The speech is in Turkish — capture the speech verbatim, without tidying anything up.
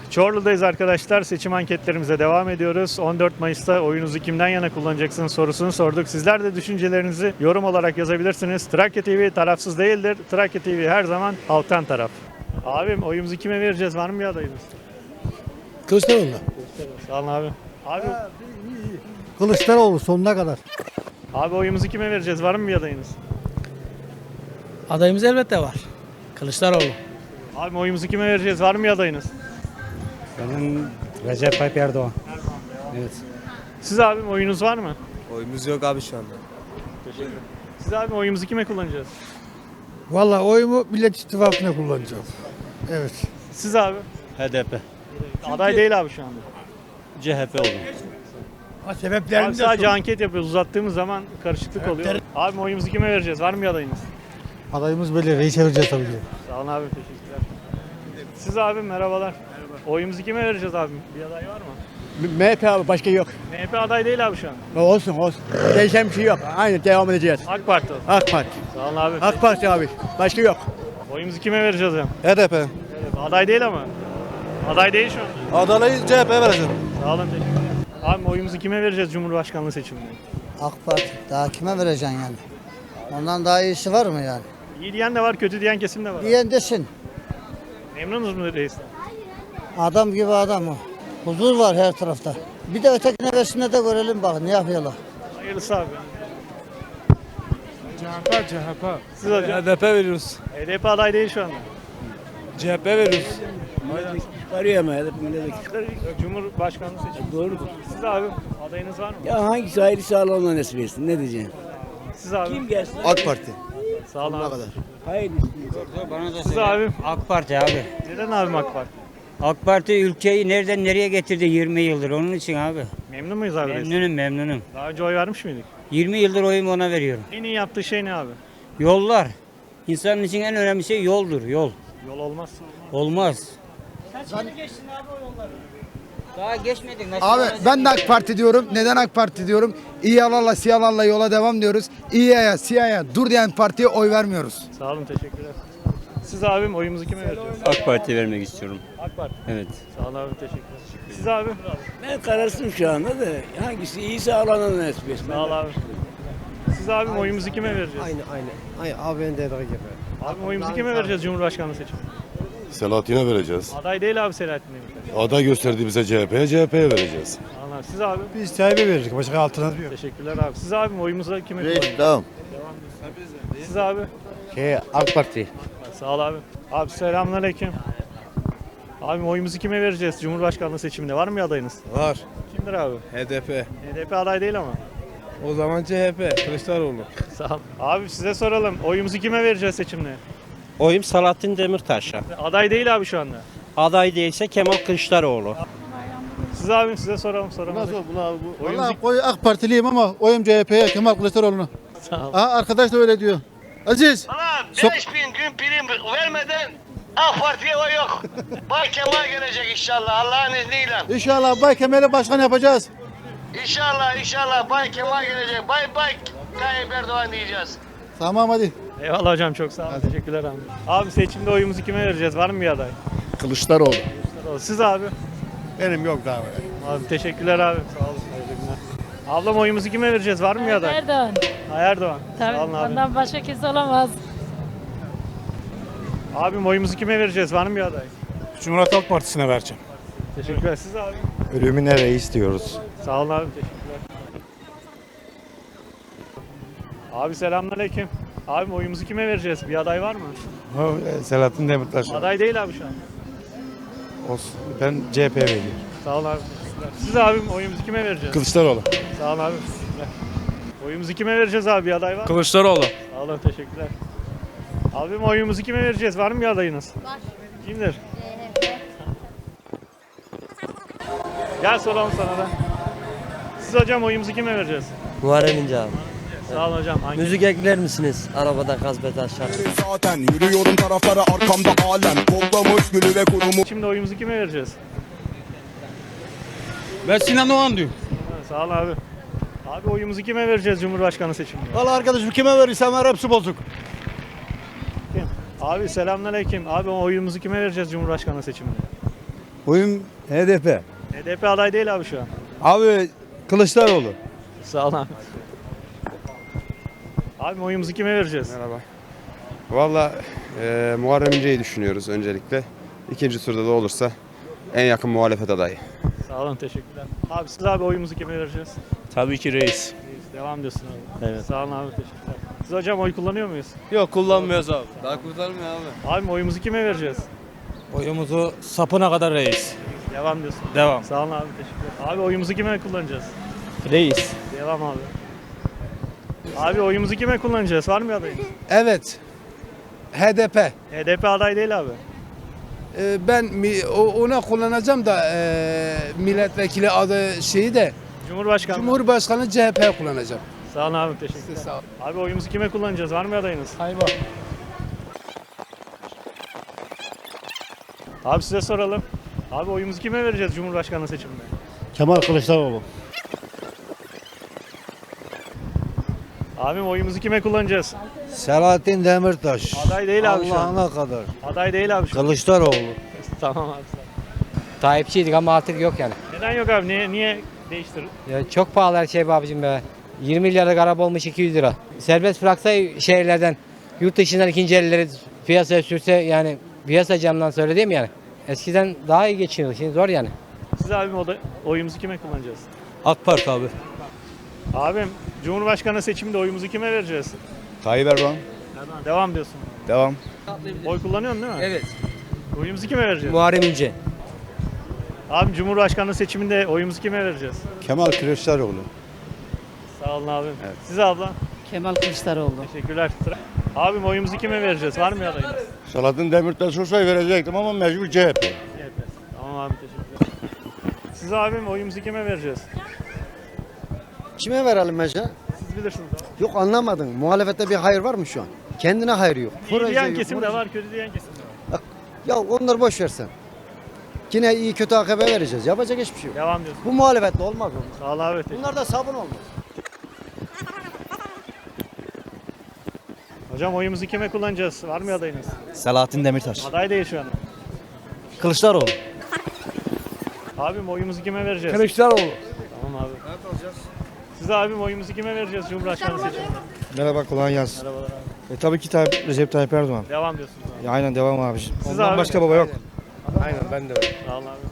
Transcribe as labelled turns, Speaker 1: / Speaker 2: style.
Speaker 1: Çorlu'dayız arkadaşlar. Seçim anketlerimize devam ediyoruz. on dört Mayıs'ta oyunuzu kimden yana kullanacaksınız sorusunu sorduk. Sizler de düşüncelerinizi yorum olarak yazabilirsiniz. Trakya T V tarafsız değildir. Trakya T V her zaman halktan taraf. Abim oyumuzu kime vereceğiz? Var mı bir adayımız?
Speaker 2: Kılıçdaroğlu.
Speaker 1: Sağ olun abi. Abi,
Speaker 2: Kılıçdaroğlu sonuna kadar.
Speaker 1: abi oyumuzu kime vereceğiz? Var mı bir adayınız?
Speaker 3: Adayımız elbette var. Kılıçdaroğlu.
Speaker 1: Abi oyumuzu kime vereceğiz? Var mı bir adayınız?
Speaker 4: Benim Recep Tayyip Erdoğan. Evet.
Speaker 1: Siz abim oyunuz var mı?
Speaker 5: Oyumuz yok abi şu anda.
Speaker 1: Teşekkür ederim. Siz abim oyumuzu kime kullanacağız?
Speaker 2: Vallahi oyumu Millet İttifakı'na kullanacağım. Evet.
Speaker 1: Siz abi?
Speaker 4: H D P.
Speaker 1: Aday değil abi şu anda.
Speaker 4: C H P oldu.
Speaker 2: Ha,
Speaker 1: Abi
Speaker 2: sebeplerini de
Speaker 1: sadece
Speaker 2: sor.
Speaker 1: anket yapıyoruz. Uzattığımız zaman karışıklık oluyor. Abi oyumuzu kime vereceğiz? Var mı bir adayınız?
Speaker 2: Adayımız belli. Reis vereceğiz tabii ki.
Speaker 1: Sağ olun abi. Teşekkürler. Siz abi merhabalar. Oyumuzu kime vereceğiz abi? Bir aday var mı?
Speaker 6: M H P abi başka yok.
Speaker 1: M H P aday değil abi şu an.
Speaker 6: Olsun olsun. Değişen bir şey yok. Aynı devam edeceğiz.
Speaker 1: AK Parti.
Speaker 6: AK Parti.
Speaker 1: Sağ olun abi.
Speaker 6: AK Parti abi. Başka yok.
Speaker 1: Oyumuzu kime vereceğiz ya?
Speaker 5: H D P.
Speaker 1: Evet, aday değil ama. Aday değil şu an.
Speaker 5: Adalayı C H P'ye vereceğim.
Speaker 1: Sağ olun teşekkürler. Abi oyumuzu kime vereceğiz Cumhurbaşkanlığı seçiminde?
Speaker 7: AK Parti. Daha kime vereceksin yani? Ondan daha iyisi var mı yani?
Speaker 1: İyi diyen de var, kötü diyen kesim de var.
Speaker 7: Diyen desin.
Speaker 1: Memnunuz mu reisten?
Speaker 7: Adam gibi adam o. Huzur var her tarafta. Bir de ötekine versinler de görelim bak ne yapıyorlar.
Speaker 1: Hayırlısı abi.
Speaker 8: C H P, C H P.
Speaker 1: Siz hocam?
Speaker 8: H D P veriyoruz.
Speaker 1: H D P aday değil şu anda.
Speaker 8: C H P veriyoruz.
Speaker 6: Arıyor mu? Milletvekili.
Speaker 1: Cumhurbaşkanlığı seçimi.
Speaker 6: Doğrudur.
Speaker 1: Siz abi adayınız var mı?
Speaker 6: Ya hangisi hayırlısı Allah'ına nasip etsin. Ne diyeceğim?
Speaker 1: Siz abi.
Speaker 6: Kim gelsin?
Speaker 5: AK Parti.
Speaker 1: Sağ olun abi.
Speaker 6: Hayırlısı.
Speaker 1: Siz abi.
Speaker 4: AK Parti abi.
Speaker 1: Neden abim AK Parti?
Speaker 4: AK Parti ülkeyi nereden nereye getirdi yirmi yıldır onun için abi.
Speaker 1: Memnun muyuz abi reisten?
Speaker 4: Memnunum memnunum.
Speaker 1: Daha önce oy vermiş miydik?
Speaker 4: yirmi yıldır oyumu ona veriyorum.
Speaker 1: En iyi yaptığı şey ne abi?
Speaker 4: Yollar. İnsanın için en önemli şey yoldur yol.
Speaker 1: Yol olmazsa
Speaker 4: Olmaz. Daha geçmedik. Nasıl
Speaker 9: Abi
Speaker 4: olacak?
Speaker 9: ben de AK Parti diyorum. Neden AK Parti diyorum? İyi yalarla siyahlarla yola devam diyoruz. İyiye siyaha dur diyen partiye oy vermiyoruz.
Speaker 1: Sağ olun teşekkürler. Siz abim oyumuzu kime vereceğiz?
Speaker 4: AK Parti vermek istiyorum.
Speaker 1: AK Parti.
Speaker 4: Evet.
Speaker 1: Sağ olun abi teşekkürler. Siz abi?
Speaker 6: Ben kararsızım şu anda da. Hangisi iyiyse Allah'ına nasip etsin.
Speaker 1: Sağ ol abi. Siz abim oyumuzu kime vereceğiz?
Speaker 5: Aynı aynı. Aynı abi ben de gibi.
Speaker 1: Abim oyumuzu kime vereceğiz Cumhurbaşkanlığı seçimi?
Speaker 10: Selahattin'e vereceğiz.
Speaker 1: Aday değil abi Selahattin Demirtaş.
Speaker 10: Aday gösterdi bize C H P'ye, C H P'ye vereceğiz.
Speaker 1: Sağ olun abi. Siz abi?
Speaker 2: Biz Tayyip'e verirdik. Başka alternatif yok.
Speaker 1: Teşekkürler abi. Siz abim oyumuzu kime kullanacağız?
Speaker 5: Tamam.
Speaker 1: Siz abi?
Speaker 5: Şey AK Parti.
Speaker 1: Sağ ol abi. Abi selamünaleyküm. Abim oyumuzu kime vereceğiz Cumhurbaşkanlığı seçiminde? Var mı bir adayınız?
Speaker 8: Var.
Speaker 1: Kimdir abi?
Speaker 8: H D P.
Speaker 1: H D P aday değil ama.
Speaker 8: O zaman C H P. Kılıçdaroğlu.
Speaker 1: Sağ ol. Abi size soralım. Oyumuzu kime vereceğiz seçimde?
Speaker 11: Oyum Selahattin Demirtaş'a.
Speaker 1: Aday değil abi şu anda.
Speaker 11: Aday değilse Kemal Kılıçdaroğlu.
Speaker 1: Siz abim size soralım soralım.
Speaker 2: Nasıl bunu abi bu?
Speaker 1: Oyumuzu-
Speaker 2: Vallahi koy AK Partiliyim ama oyum C H P'ye Kemal Kılıçdaroğlu'na.
Speaker 1: Sağ ol.
Speaker 2: Aa, arkadaş da öyle diyor. Aziz.
Speaker 12: Bana beş bin gün prim vermeden AK Parti'ye oy yok. Bay Kemal gelecek inşallah Allah'ın izniyle.
Speaker 2: İnşallah Bay Kemal'i başkan yapacağız.
Speaker 12: İnşallah inşallah Bay Kemal gelecek. Bay Bay Tayyip Erdoğan diyeceğiz.
Speaker 2: Tamam hadi.
Speaker 1: Eyvallah hocam çok sağ olun. Teşekkürler abi. Abi seçimde oyumuzu kime vereceğiz? Var mı bir aday?
Speaker 2: Kılıçdaroğlu.
Speaker 1: Siz abi.
Speaker 2: Benim yok daha.
Speaker 1: Abi teşekkürler abi. Sağ olun. Hayırlı günler. Ablam oyumuzu kime vereceğiz? Var mı bir aday?
Speaker 13: Erdoğan.
Speaker 1: Ha, Erdoğan.
Speaker 13: Tabii
Speaker 1: Sağ olun abi.
Speaker 13: ondan başka kimse olamaz.
Speaker 1: Abim oyumuzu kime vereceğiz? Var mı bir aday?
Speaker 8: Cumhuriyet Halk Partisi'ne vereceğim.
Speaker 1: Teşekkürler. Siz abi.
Speaker 10: Ölümüne reis diyoruz.
Speaker 1: Sağ olun abi. Teşekkürler. Abi selamünaleyküm. Abim oyumuzu kime vereceğiz? Bir aday var mı?
Speaker 10: Selahattin Demirtaş.
Speaker 1: Aday değil abi şu an.
Speaker 10: Olsun. Ben C H P'ye veriyorum.
Speaker 1: Sağ olun abi. Teşekkürler. Siz abim oyumuzu kime vereceğiz?
Speaker 10: Kılıçdaroğlu.
Speaker 1: Sağ olun abi. Teşekkürler. Oyumuzu kime vereceğiz abi? Bir aday var mı?
Speaker 8: Kılıçdaroğlu.
Speaker 1: Sağ olun. Teşekkürler. Abim oyumuzu kime vereceğiz? Var mı bir adayınız? Var. Kimdir? Gel soralım sana da. Siz hocam oyumuzu kime vereceğiz?
Speaker 11: Muharrem İnce abi.
Speaker 1: Sağ olun hocam. Hangi?
Speaker 11: Müzik ekler misiniz? Arabada gazbet aşağı.
Speaker 5: Zaten yürüyorum taraflara arkamda alem. Kollamış gülü ve kurumu.
Speaker 1: Şimdi oyumuzu kime vereceğiz?
Speaker 8: Ben Sinan Oğan diyorum.
Speaker 1: Ha, sağ olun abi. Abi oyumuzu kime vereceğiz Cumhurbaşkanı seçiminde?
Speaker 2: Valla arkadaşım kime verirsem ver hepsi bozuk.
Speaker 1: Kim? Abi selamünaleyküm. Abi oyumuzu kime vereceğiz Cumhurbaşkanı seçiminde?
Speaker 2: Oyun H D P.
Speaker 1: H D P aday değil abi şu an.
Speaker 2: Abi Kılıçdaroğlu.
Speaker 1: Sağ ol abi. Abi oyumuzu kime vereceğiz?
Speaker 8: Merhaba. Valla e, Muharrem İnce'yi düşünüyoruz öncelikle. İkinci turda da olursa en yakın muhalefet adayı.
Speaker 1: Sağ olun, teşekkürler. Abi siz abi oyumuzu kime vereceğiz?
Speaker 8: Tabii ki reis.
Speaker 1: Devam diyorsun abi. Evet. Sağ olun abi, teşekkürler. Siz hocam oy kullanıyor muyuz?
Speaker 8: Yok kullanmıyoruz abi. Daha kurtarmıyor abi.
Speaker 1: Abi oyumuzu kime vereceğiz?
Speaker 3: Oyumuzu sapına kadar reis.
Speaker 1: Devam diyorsun.
Speaker 3: Devam.
Speaker 1: Sağ olun abi, teşekkürler. Abi oyumuzu kime kullanacağız?
Speaker 3: Reis.
Speaker 1: Devam abi. Abi oyumuzu kime kullanacağız? Var mı adayınız?
Speaker 9: Evet. H D P.
Speaker 1: H D P aday değil abi.
Speaker 9: Ee, ben mi- o- ona kullanacağım da e, milletvekili adı şeyi de
Speaker 1: Cumhurbaşkanı.
Speaker 9: Cumhurbaşkanı C H P kullanacağım.
Speaker 1: Sağ olun abi, teşekkürler.
Speaker 9: Sağ ol.
Speaker 1: Abi oyumuzu kime kullanacağız? Var mı adayınız?
Speaker 9: Hayva.
Speaker 1: Abi size soralım. Abi oyumuzu kime vereceğiz Cumhurbaşkanlığı seçiminde?
Speaker 2: Kemal Kılıçdaroğlu.
Speaker 1: Abim oyumuzu kime kullanacağız?
Speaker 2: Selahattin Demirtaş.
Speaker 1: Aday değil abi şu an.
Speaker 2: Allah'ına kadar.
Speaker 1: Aday değil abi şu an.
Speaker 2: Kılıçdaroğlu.
Speaker 1: Tamam abi, sağ ol.
Speaker 3: Tayyipçiydik ama artık yok yani.
Speaker 1: Neden yok abi? Niye, niye değiştir?
Speaker 3: Ya çok pahalı her şey be abicim be. yirmi milyarlık araba olmuş iki yüz lira. Serbest bıraksa şehirlerden, yurt dışından ikinci elleri piyasaya sürse yani piyasa camdan söylediğim yani. Eskiden daha iyi geçiniyordu. Şimdi zor yani.
Speaker 1: Siz abim o da oyumuzu kime kullanacağız?
Speaker 8: AK Parti abi.
Speaker 1: Abim Cumhurbaşkanı seçiminde oyumuzu kime vereceğiz?
Speaker 2: Tayyip Erdoğan.
Speaker 1: Erdoğan. Devam diyorsun.
Speaker 2: Devam.
Speaker 1: Oy kullanıyorsun değil mi?
Speaker 3: Evet.
Speaker 1: Oyumuzu kime vereceğiz?
Speaker 3: Muharrem İnce.
Speaker 1: Abim Cumhurbaşkanı seçiminde oyumuzu kime vereceğiz?
Speaker 2: Kemal Kılıçdaroğlu.
Speaker 1: Sağ olun abim. Siz abla?
Speaker 3: Kemal Kılıçdaroğlu.
Speaker 1: Teşekkürler. Abim oyumuzu kime vereceğiz? Var mı adayınız?
Speaker 2: Selahattin Demirtaş olsaydı verecektim ama mecbur C H P.
Speaker 1: C H P. Tamam abi, teşekkürler. Siz abim oyumuzu kime vereceğiz?
Speaker 7: Kime verelim Ece?
Speaker 1: Siz bilirsiniz abi.
Speaker 7: Yok anlamadım. Muhalefette bir hayır var mı şu an? Kendine hayır yok.
Speaker 1: İyi diyen kesim de var, kötü diyen kesim de var.
Speaker 7: Ya onları boş versen. Yine iyi kötü A K P vereceğiz. Yapacak hiçbir şey yok.
Speaker 1: Devam diyorsun.
Speaker 7: Bu muhalefetle olmaz mı?
Speaker 1: Sağ ol abi. teşekkür-
Speaker 7: Bunlar da sabun olmaz.
Speaker 1: Hocam oyumuzu kime kullanacağız? Var mı adayınız?
Speaker 2: Selahattin Demirtaş.
Speaker 1: Aday değil şu an.
Speaker 2: Kılıçdaroğlu.
Speaker 1: Abim oyumuzu kime vereceğiz?
Speaker 2: Kılıçdaroğlu.
Speaker 1: Tamam abi. Siz abim oyumuzu kime vereceğiz Cumhurbaşkanı seçiminde?
Speaker 2: Merhaba, kolay gelsin.
Speaker 1: Merhabalar abi.
Speaker 2: E, tabii ki Tayyip, Recep Tayyip Erdoğan.
Speaker 1: Devam diyorsunuz abi.
Speaker 2: Ya, aynen devam abiciğim.
Speaker 1: Siz
Speaker 2: Ondan
Speaker 1: abi?
Speaker 2: başka baba yok.
Speaker 8: Aynen ben de öyle.
Speaker 1: Sağ olun abi.